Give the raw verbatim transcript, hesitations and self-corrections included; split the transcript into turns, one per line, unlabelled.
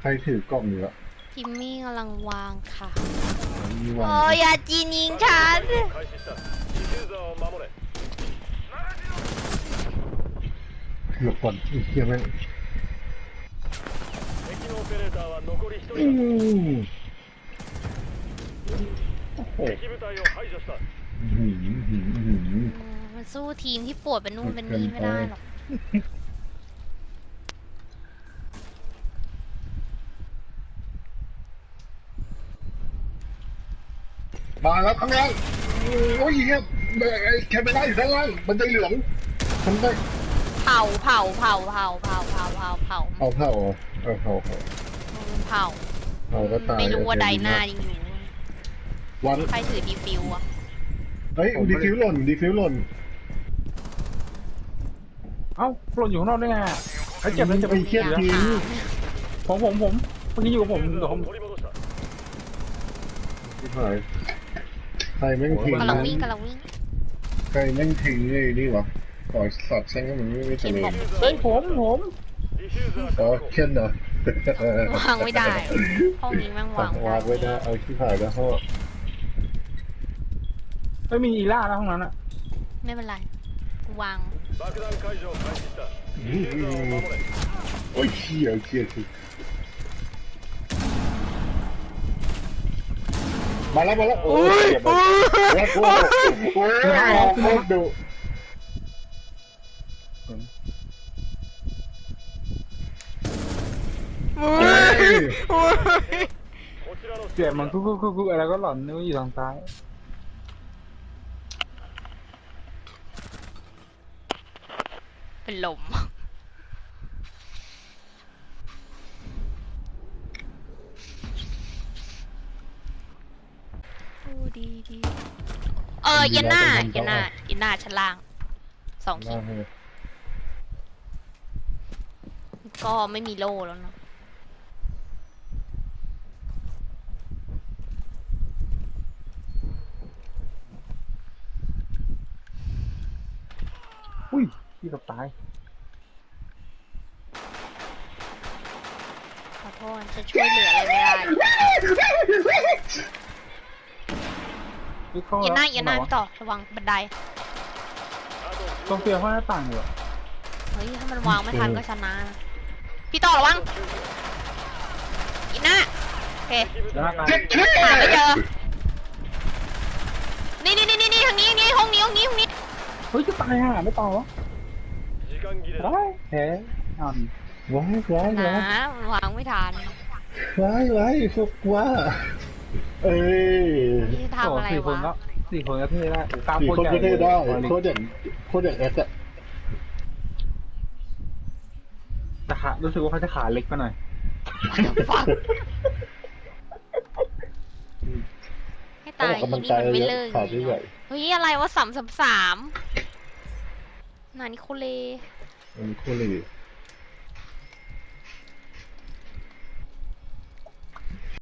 รถือกล่องอยู่อะ
พิมมี่กำลังวางค่ะ
มีวา
โอ้
ง
ยอย่าจีนยิงฉัน
เกือบก่อนอีกเกียร์แม่งอืมโอ้โหหืมหืมหืม
อืมมันสู้ทีมที่ปวดเป็นนู่นเป็นนี่ไม่ได้หรอก
มาแล้วข้างล่างโอ้ยเฮียแคมเปญอยู่ข้างล่างบันไดเหลืองทำได้
เผาเผาเผาเผาเผาเผาเผาเผา
เอาเผาเอาเผาเผา
เผา
เผาก็ตาย
ไม่รู้ว่าใดหน้ายังอยู่
วัน
ใครถือดีฟิวอะ
เฮ้ยดีฟิวหล่นดีฟิวหล่น
เอ้าหล่นอยู่ข้างนอกได้ไงอะไอ้เจ็บแล้วเจ็บ
ไอ้เหี้ย
อยาก
ทิ้ง
ถาม
ผมผมผมคนนี้อยู่กับผมเดี๋ยวผม
ที่หายใครแม่งทิ้ง
กำลังวิ่งกำลังวิ่ง
ใครแม่งทิ้งเลยนี่วะขอสอดแช่งก็มันไม่ไม่
เข็
เจ
ม
ริ
บอ
ญ
ก
เฮ้ยผมผม
อ๋อเช่นเหรอ
วางไม่ได้ห้องนี้แม่งวาง
วางไว้ได้เอาที่ถ่ายแล้วเขา
ไม่มีอีล่าแล้วห้องนั้นอะ
ไม่เป็นไรวาง
โอ้ยเชี่ยเชี่ยคือมาแล้วมาแล้วโอ้ยแล้วกูโอ้ยโคตรดุ
เจ็บมันคุกคุกคุกคุกอะไรก็หล่อนนึกว่าอยู่ทางซ้าย
เป็นลมดีดีเออเย็นหน้าเย็นหน้าเย็นหน้าชั้นล่างสองขีดก็ไม่มีโล่แล้วเนาะ
อุ้ยที่กับตาย
ขอโทษจะช่วยเหลืออะไรไม่ได้หรอก
วิเคราะห์
เย็นหน้า
แล้ว
เย็นหน้าพี่ต่อระวังบันได
ต้องเปลี่ยนห้องหน้าต่างอยู่อะ
เฮ้ยถ้ามันวางไม่ทันก็ชนะนะพี่ต่อระวังเย็นหน้าโอเค
แล้วหน้าต่าง
หาไม่เจอนี่นี่นี่นี่ทางนี้นี่ห้องนี้ห้องนี้ห้องนี้
เฮ้ยจะตายห่าไม่ต่อวะได้แพ้อ่อน
ว้ายว้าย
นะ
ว้าย
มันวางไม่ทัน
ว้ายว้ายพวกว่าเอ้ย
พี่จะ
โอ้
ทำอะไร
สี่คน
วะ
ก็สี่คนก็เท่ได้โอ้กล้าม
สี่
โคต
ค
ร
น
ใหญ่
ก็เท่ได้
เลย
โคตรอย่างโคตรอย่างแอสอะ
แต่ขารู้สึกว่าเขาจะขาเล็กไปหน่อย
ฟังให้ตาย
กำลัง
นี่
ใจ
มันไม่
เย
เลิ
อะ
ก
ขาด
จริง
ให
ๆ
ญ่
อะเฮ้ยอะไรวะสามสามสามนานิโคเล
มันโคตรเลย